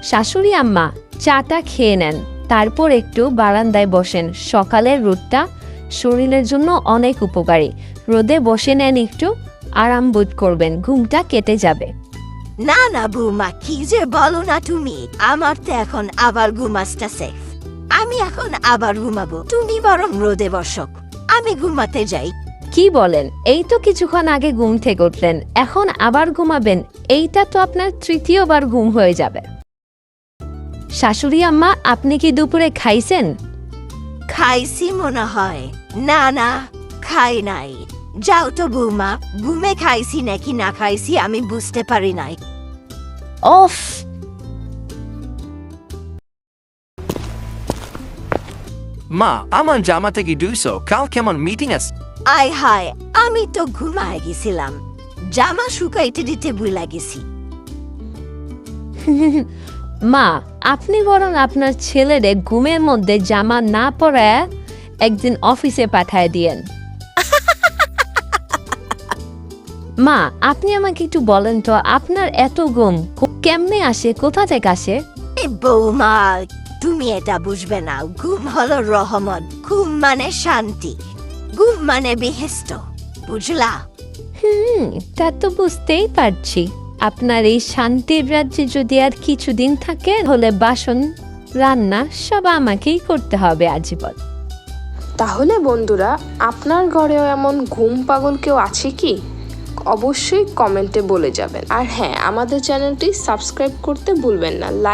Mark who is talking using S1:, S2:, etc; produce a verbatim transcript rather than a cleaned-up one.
S1: শাশুড়ি আম্মা চাটা খেয়ে নেন, তারপর একটু বারান্দায় বসেন। সকালের রোদটা শরীরের জন্য অনেক উপকারী। রোদে বসে নেন, একটু আরাম বোধ করবেন, ঘুমটা কেটে যাবে।
S2: না না বৌমা, কি যে বলো না তুমি, আমার তো এখন আবার ঘুম আসতেছে। আমি এখন আবার ঘুমাবো, তুমি বরং রোদে বসো, আমি ঘুমাতে যাই।
S1: কি বলেন? এই তো কিছুক্ষণ আগে ঘুম থেকে উঠলেন, এখন আবার ঘুমাবেন? এইটা তো আপনার তৃতীয়বার ঘুম হয়ে যাবে। শাশুড়ি আম্মা, আপনি কি দুপুরে খাইছেন?
S2: খাইছি মনে হয়। না না, খাই নাই। যাও তো বৌমা, ঘুমে খাইছি নাকি না খাইছি আমি বুঝতে পারি নাই।
S1: অফ!
S3: মা, আমার জামা থেকে দুইশো, কাল কেমন মিটিং আছে?
S2: আয় হায়, আমি তো ঘুমায় গেছিলাম, জামা শুকাইতে দিতে ভুলে গেছি।
S1: মা, আপনি বরং আপনার ছেলেরে ঘুমের মধ্যে জামা না পরায় একদিন অফিসে পাঠায় দিয়েন। মা, আপনি আমাকে একটু বলেন তো, আপনার এত ঘুম কেমনে আসে, কোথা থেকে আসে?
S2: এ বৌমা, তুমি এটা বুঝবে না। ঘুম হলো রহমত, ঘুম মানে শান্তি, ঘুম মানে বেহেস্ত, বুঝলা?
S1: হুম, তা তো বুঝতেই পারছি। আপনার এই শান্তির রাজ্যে যদি আর কিছুদিন থাকে, হলে বাসন রান্না সব আমাকেই করতে হবে আজীবন।
S4: তাহলে বন্ধুরা, আপনার ঘরেও এমন ঘুম পাগল কেউ আছে কি? অবশ্যই কমেন্টে বলে যাবেন। আর হ্যাঁ, আমাদের চ্যানেলটি সাবস্ক্রাইব করতে ভুলবেন না।